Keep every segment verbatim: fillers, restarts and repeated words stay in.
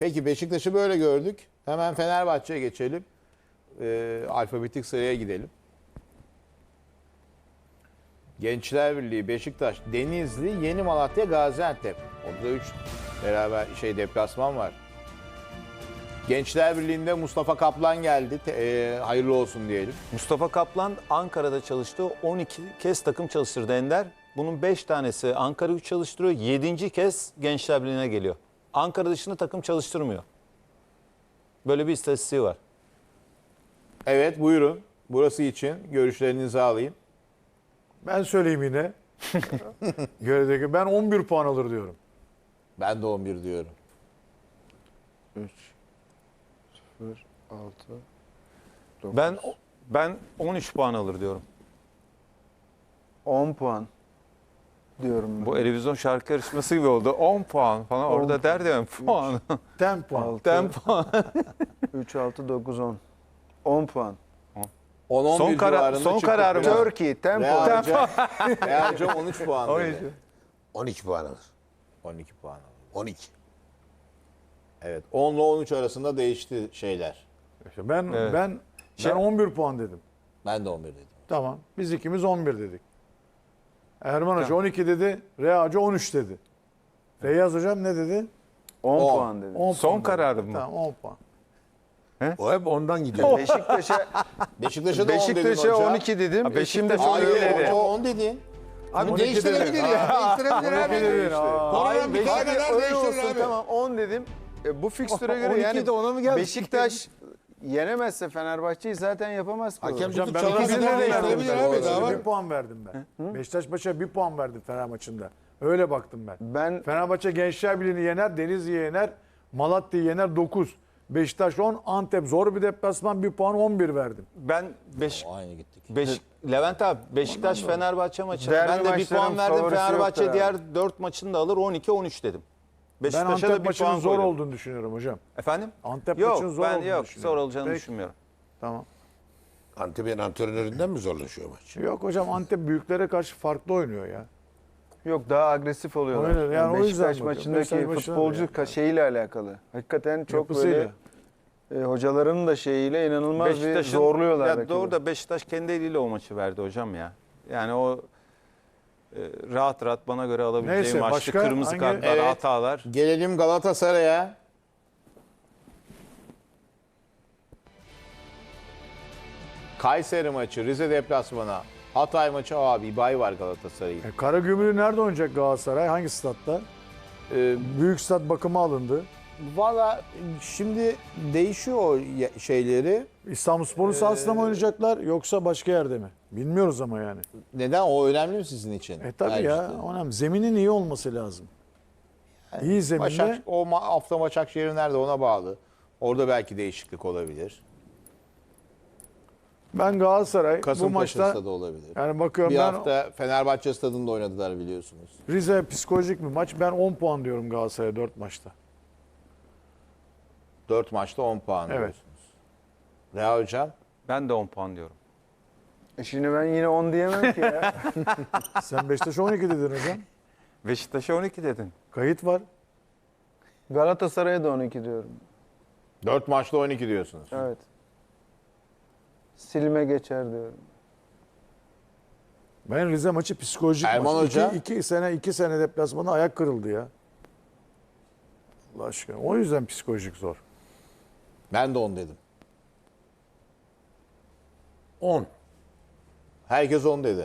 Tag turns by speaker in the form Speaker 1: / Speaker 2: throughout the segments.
Speaker 1: Peki Beşiktaş'ı böyle gördük. Hemen Fenerbahçe'ye geçelim. Ee, alfabetik sıraya gidelim. Gençler Birliği, Beşiktaş, Denizli, Yeni Malatya, Gaziantep. Orada üç beraber şey deplasman var. Gençler Birliği'nde Mustafa Kaplan geldi. Te- e, hayırlı olsun diyelim.
Speaker 2: Mustafa Kaplan Ankara'da çalıştı. on iki kez takım çalıştırdı Ender. Bunun beş tanesi Ankara gücü çalıştırıyor. yedinci kez Gençler Birliği'ne geliyor. Ankara dışında takım çalıştırmıyor. Böyle bir istatistiği var.
Speaker 1: Evet buyurun. Burası için görüşlerinizi alayım.
Speaker 3: Ben söyleyeyim yine. Göredeki ben on bir puan alır diyorum.
Speaker 1: Ben de on bir diyorum.
Speaker 4: üç, sıfır, altı, dokuz.
Speaker 2: Ben ben on üç puan alır diyorum.
Speaker 4: on puan diyorum.
Speaker 2: Bu televizyon şarkı yarışması gibi oldu. on puan falan.
Speaker 4: on
Speaker 2: Orada der de puan.
Speaker 3: on puan.
Speaker 2: on puan.
Speaker 4: üç, altı, dokuz, on. on puan.
Speaker 1: on on bir
Speaker 2: Son karar-
Speaker 1: civarında
Speaker 2: son
Speaker 1: çıktık
Speaker 2: kararım.
Speaker 1: biraz.
Speaker 4: Turkey, tempo.
Speaker 1: Real Hocam- Real Hocam on üç puan dedi.
Speaker 5: on iki puan alır.
Speaker 1: on iki puan aldı.
Speaker 5: on iki.
Speaker 1: Evet. on ile on üç arasında değişti şeyler.
Speaker 3: İşte ben
Speaker 2: Evet.
Speaker 3: ben
Speaker 2: Şey-
Speaker 3: ben on bir puan dedim.
Speaker 1: Ben de on bir dedim.
Speaker 3: Tamam. Biz ikimiz on bir dedik. Erman Hoca on iki dedi. Rea Hoca on üç dedi. Feyyaz Hocam ne dedi?
Speaker 4: on
Speaker 1: on.
Speaker 4: puan dedim.
Speaker 3: on
Speaker 2: Son
Speaker 3: puan dedi.
Speaker 2: kararım mı?
Speaker 3: Tamam on puan.
Speaker 5: O hep ondan gidiyor.
Speaker 4: Beşiktaş'a
Speaker 1: Beşiktaş'a da on dedin
Speaker 4: Beşiktaş'a
Speaker 1: hocam.
Speaker 4: on iki dedim.
Speaker 2: Ha,
Speaker 4: E
Speaker 2: Beşiktaş
Speaker 4: şimdi
Speaker 1: Hayır
Speaker 4: öyle
Speaker 1: hocam
Speaker 4: dedi.
Speaker 1: on dedin.
Speaker 5: Abi
Speaker 3: on iki
Speaker 5: değiştirebilir
Speaker 3: dedi.
Speaker 5: ya. Değiştirebilir abi.
Speaker 3: dedin, aa.
Speaker 5: Koronanın bir tane kadar
Speaker 4: öyle
Speaker 5: değiştirir
Speaker 4: olsun
Speaker 5: abi.
Speaker 4: tamam on dedim. E, bu fikstüre göre
Speaker 3: on iki
Speaker 4: yani
Speaker 3: de ona mı geldi?
Speaker 4: Beşiktaş yenemezse Fenerbahçe'yi zaten yapamaz ki.
Speaker 5: Hakem
Speaker 3: Hocam
Speaker 5: tutup
Speaker 3: ben
Speaker 5: çalarsa
Speaker 3: ikisine
Speaker 5: da
Speaker 3: de
Speaker 5: değiştirebilir
Speaker 3: verdim.
Speaker 5: abi. Daha var.
Speaker 3: Bir puan verdim ben. Beşiktaş maça bir puan verdim Fener maçında. Öyle baktım ben.
Speaker 4: Ben
Speaker 3: Fenerbahçe Gençler Birliği'ni yener, Denizli'yi yener, Malatya'yı yener dokuz. Beşiktaş on, Antep zor bir deplasman bir puan on bir verdim.
Speaker 2: Ben beş,
Speaker 1: Aynı gittik.
Speaker 2: beş Levent abi Beşiktaş Fenerbahçe maçı.
Speaker 4: Derbi
Speaker 2: Ben de bir
Speaker 4: maçların
Speaker 2: puan verdim.
Speaker 4: favorisi
Speaker 2: Fenerbahçe
Speaker 4: yoktur
Speaker 2: diğer dört maçını da alır on iki on üç dedim.
Speaker 3: Ben
Speaker 2: Beşiktaş'a
Speaker 3: Antep
Speaker 2: da bir
Speaker 3: maçının
Speaker 2: puan
Speaker 3: zor
Speaker 2: koydum.
Speaker 3: olduğunu düşünüyorum hocam.
Speaker 2: Efendim?
Speaker 3: Antep
Speaker 2: yok,
Speaker 3: maçının zor
Speaker 2: ben
Speaker 3: olduğunu
Speaker 2: yok,
Speaker 3: düşünüyorum.
Speaker 2: zor olacağını
Speaker 3: Peki.
Speaker 2: düşünmüyorum.
Speaker 3: Tamam.
Speaker 5: Antep'in antrenöründen mi zorlaşıyor maç?
Speaker 3: Yok hocam Antep büyüklere karşı farklı oynuyor ya.
Speaker 4: yok daha agresif oluyorlar.
Speaker 3: Aynen, yani o yüzden
Speaker 4: Beşiktaş
Speaker 3: bakıyorum.
Speaker 4: maçındaki
Speaker 3: Beşiktaş maçına
Speaker 4: futbolcu
Speaker 3: da
Speaker 4: ka- şeyiyle alakalı. Hakikaten çok
Speaker 3: Yapısıyla.
Speaker 4: böyle e, hocaların da şeyiyle inanılmaz bir
Speaker 2: Beşiktaş'ın
Speaker 4: zorluyorlar.
Speaker 2: ya
Speaker 4: rakibi.
Speaker 2: doğru da Beşiktaş kendi eliyle o maçı verdi hocam ya. Yani o e, rahat rahat bana göre alabileceği
Speaker 3: Neyse,
Speaker 2: maçtı.
Speaker 3: başka
Speaker 2: Kırmızı
Speaker 3: hangi-
Speaker 2: kartlar,
Speaker 1: Evet.
Speaker 2: hatalar.
Speaker 1: Gelelim Galatasaray'a. Kayseri maçı, Rize deplasmanı, Hatay maçı abi bay var Galatasaray'ın.
Speaker 3: E, Karagümrük nerede oynayacak Galatasaray? Hangi statta?
Speaker 1: Ee,
Speaker 3: Büyük stat bakıma alındı.
Speaker 1: Valla şimdi değişiyor o ye- şeyleri.
Speaker 3: İstanbulspor'un sahasında mı oynayacaklar yoksa başka yerde mi? Bilmiyoruz ama yani.
Speaker 1: Neden? O önemli mi sizin için?
Speaker 3: E tabii ya.
Speaker 1: Tercihte.
Speaker 3: Önemli. Zeminin iyi olması lazım. İyi zeminde.
Speaker 1: Başak, o ma- hafta Başakşehir nerede ona bağlı. Orada belki değişiklik olabilir.
Speaker 3: Ben Galatasaray bu
Speaker 1: Kasımpaşa
Speaker 3: maçta
Speaker 1: stadı olabilir.
Speaker 3: yani bakıyorum
Speaker 1: Bir
Speaker 3: ben
Speaker 1: hafta Fenerbahçe stadında oynadılar biliyorsunuz.
Speaker 3: Rize psikolojik bir maç. Ben on puan diyorum Galatasaray'a dört maçta.
Speaker 1: dört maçta on puan
Speaker 3: Evet.
Speaker 1: diyorsunuz. Reha Hocam?
Speaker 2: Ben de on puan diyorum.
Speaker 4: E şimdi ben yine on diyemem ki ya.
Speaker 3: Sen Beşiktaş'a on iki dedin hocam.
Speaker 2: Beşiktaş'a on iki dedin.
Speaker 3: Kayıt var.
Speaker 4: Galatasaray'a da on iki diyorum.
Speaker 1: dört maçta on iki diyorsunuz.
Speaker 4: Evet. Silme geçer diyorum.
Speaker 3: Ben Rize maçı psikolojik
Speaker 1: Erman
Speaker 3: maç.
Speaker 1: Hoca?
Speaker 3: İki, iki sene iki sene deplasmanda ayak kırıldı ya. Allah aşkına. O yüzden psikolojik zor.
Speaker 1: Ben de on dedim.
Speaker 5: on.
Speaker 1: Herkes on dedi.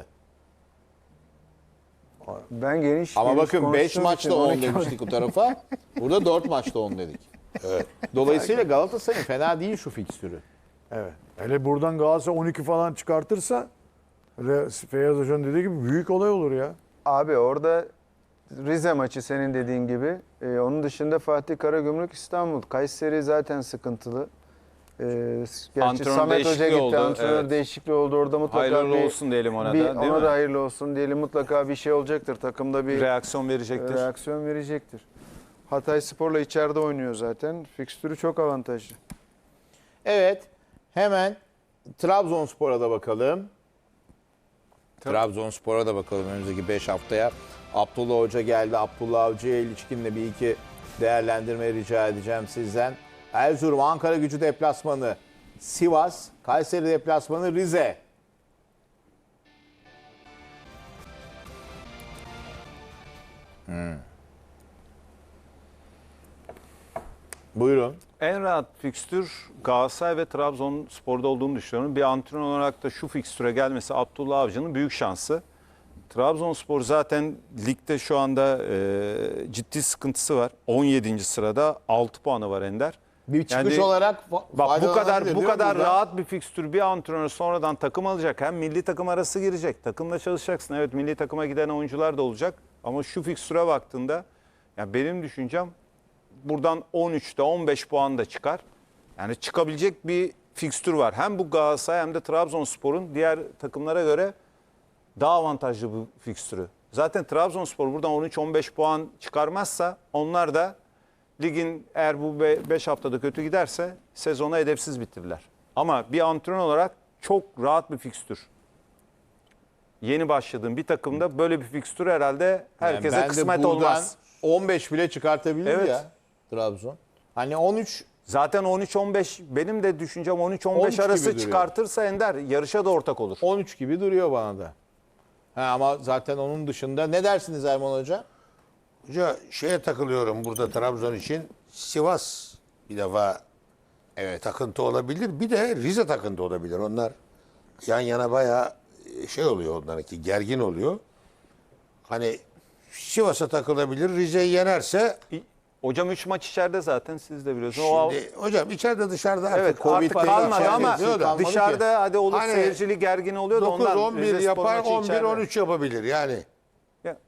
Speaker 4: Ben geniş
Speaker 1: Ama
Speaker 4: geniş
Speaker 1: bakın beş
Speaker 4: konuştuğum
Speaker 1: maçta
Speaker 4: için
Speaker 1: on
Speaker 4: on iki
Speaker 1: demiştik o tarafa. Burada dört maçta on dedik.
Speaker 5: Evet.
Speaker 1: Dolayısıyla Galatasaray'ın fena değil şu fikstürü.
Speaker 3: Evet. Hele buradan Galatasaray on iki falan çıkartırsa Re- Feyyaz Hoca'nın dediği gibi büyük olay olur ya.
Speaker 4: Abi orada Rize maçı senin dediğin gibi. Ee, onun dışında Fatih Karagümrük İstanbul. Kayseri zaten sıkıntılı. Ee, gerçi
Speaker 2: Antrenör
Speaker 4: Samet Hoca
Speaker 2: değişikliği
Speaker 4: gitti.
Speaker 2: oldu,
Speaker 4: Antrenör
Speaker 2: evet.
Speaker 4: değişikliği oldu. Orada mutlaka
Speaker 2: Hayırlı
Speaker 4: bir,
Speaker 2: olsun diyelim ona
Speaker 4: bir,
Speaker 2: da değil
Speaker 4: ona
Speaker 2: mi?
Speaker 4: da hayırlı olsun diyelim. Mutlaka bir şey olacaktır. Takımda bir
Speaker 2: Reaksiyon verecektir.
Speaker 4: reaksiyon verecektir. Hatay Spor'la içeride oynuyor zaten. Fikstürü çok avantajlı.
Speaker 1: Evet. Hemen Trabzonspor'a da bakalım. Trabzonspor'a da bakalım önümüzdeki beş haftaya. Abdullah Hoca geldi. Abdullah Avcı'ya ilişkin de bir iki değerlendirmeyi rica edeceğim sizden. Erzurum, Ankara Gücü deplasmanı Sivas, Kayseri deplasmanı Rize. Hmm. Buyurun.
Speaker 2: En rahat fikstür Galatasaray ve Trabzonspor'da olduğunu düşünüyorum. Bir antrenör olarak da şu fikstüre gelmesi Abdullah Avcı'nın büyük şansı. Trabzonspor zaten ligde şu anda e, ciddi sıkıntısı var. on yedinci sırada altı puanı var Ender.
Speaker 1: Bir çıkış
Speaker 2: Yani-
Speaker 1: olarak fa-
Speaker 2: Bak bu kadar
Speaker 1: faydalanabilir
Speaker 2: bu
Speaker 1: değil mi
Speaker 2: kadar
Speaker 1: buradan?
Speaker 2: rahat bir fikstür bir antrenör sonradan takım alacak. Hem milli takım arası girecek. Takımla çalışacaksın. Evet, milli takıma giden oyuncular da olacak. Ama şu fikstüre baktığında ya benim düşüncem buradan on üçte on beş puan da çıkar. Yani çıkabilecek bir fikstür var. Hem bu Galatasaray hem de Trabzonspor'un diğer takımlara göre daha avantajlı bu fikstürü. Zaten Trabzonspor buradan on üç on beş puan çıkarmazsa onlar da ligin eğer bu beş haftada kötü giderse sezona hedefsiz bitirirler. Ama bir antrenör olarak çok rahat bir fikstür. Yeni başladığım bir takımda böyle bir fikstür herhalde herkese
Speaker 1: Yani ben de
Speaker 2: kısmet
Speaker 1: buradan
Speaker 2: olmaz.
Speaker 1: on beş bile çıkartabilir
Speaker 2: Evet.
Speaker 1: ya Trabzon. Hani on üç
Speaker 2: Zaten on üç on beş benim de düşüncem on üç on
Speaker 1: on üç
Speaker 2: beş
Speaker 1: gibi
Speaker 2: arası
Speaker 1: duruyor.
Speaker 2: çıkartırsa Ender yarışa da ortak olur.
Speaker 1: on üç gibi duruyor bana da. Ha, ama zaten onun dışında ne dersiniz Erman Hoca?
Speaker 5: Hoca şeye takılıyorum burada Trabzon için. Sivas bir defa evet takıntı olabilir. Bir de Rize takıntı olabilir. Onlar yan yana bayağı şey oluyor onlarınki gergin oluyor. Hani Sivas'a takılabilir. Rize'yi yenerse
Speaker 2: Hocam üç maç içeride zaten siz de biliyorsunuz. O-
Speaker 5: şimdi hocam içeride dışarıda artık
Speaker 2: evet
Speaker 1: Covid
Speaker 2: artık
Speaker 1: falan
Speaker 2: kalmadı
Speaker 1: içeride
Speaker 2: ama
Speaker 1: yapıyor da.
Speaker 2: dışarıda hadi olur
Speaker 5: Hani
Speaker 2: seyircili gergin oluyor da
Speaker 5: dokuz
Speaker 2: ondan
Speaker 5: on bir
Speaker 2: Rizespor
Speaker 5: yapar,
Speaker 2: maçı
Speaker 5: on bir
Speaker 2: içeride.
Speaker 5: on üç yapabilir yani.
Speaker 2: Ya,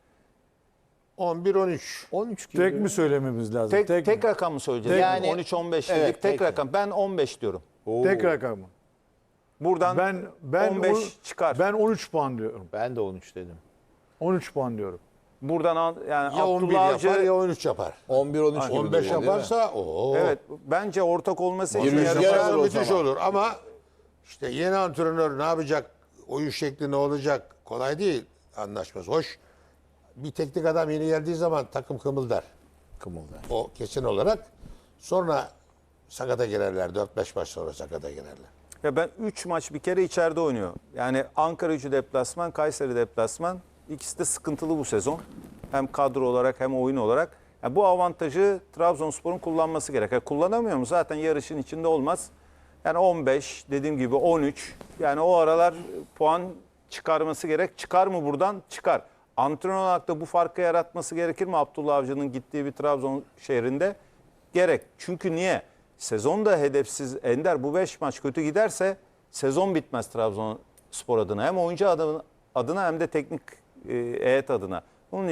Speaker 5: on bir on üç.
Speaker 1: on üç gibi.
Speaker 3: Tek mi söylememiz lazım?
Speaker 2: Tek,
Speaker 3: tek,
Speaker 2: tek
Speaker 3: mi?
Speaker 2: rakam mı söyleyeceğiz?
Speaker 1: Yani-
Speaker 2: Yani on üç on beş dedik.
Speaker 1: Evet,
Speaker 2: tek
Speaker 1: peki.
Speaker 2: rakam. Ben on beş diyorum.
Speaker 1: Oo,
Speaker 3: Tek rakam mı?
Speaker 2: Buradan
Speaker 3: Ben ben
Speaker 2: on beş
Speaker 3: on-
Speaker 2: çıkar.
Speaker 3: Ben on üç puan diyorum.
Speaker 1: Ben de on üç dedim.
Speaker 3: on üç puan diyorum.
Speaker 2: Buradan al- yani
Speaker 5: Ya on bir
Speaker 2: Abdullah Avcı
Speaker 5: yapar ya on üç yapar.
Speaker 1: on bir on üç gibi
Speaker 5: on beş
Speaker 1: duruyor, değil mi?
Speaker 5: yaparsa o
Speaker 2: evet bence ortak olması
Speaker 1: Bir
Speaker 2: için
Speaker 1: rüzgar
Speaker 2: yarışa-
Speaker 1: alır o
Speaker 5: müthiş
Speaker 1: zaman.
Speaker 5: olur ama işte yeni antrenör ne yapacak? Oyun şekli ne olacak? Kolay değil anlaşması. Hoş. Bir teknik adam yeni geldiği zaman takım kımıldar.
Speaker 1: Kımıldar.
Speaker 5: O kesin olarak. Sonra sakata girerler. dört beş maç sonra sakata girerler.
Speaker 2: Ya ben üç maç bir kere içeride oynuyor. Yani Ankara Gücü deplasman, Kayseri deplasman. İkisi de sıkıntılı bu sezon. Hem kadro olarak hem oyun olarak. Yani bu avantajı Trabzonspor'un kullanması gerek. Yani kullanamıyor mu? Zaten yarışın içinde olmaz. Yani on beş, dediğim gibi on üç. Yani o aralar puan çıkarması gerek. Çıkar mı buradan? Çıkar. Antrenör olarak da bu farkı yaratması gerekir mi Abdullah Avcı'nın gittiği bir Trabzon şehrinde? Gerek. Çünkü niye? Sezon da hedefsiz. Ender bu beş maç kötü giderse sezon bitmez Trabzonspor adına. Hem oyuncu adına, adına hem de teknik e, heyet adına.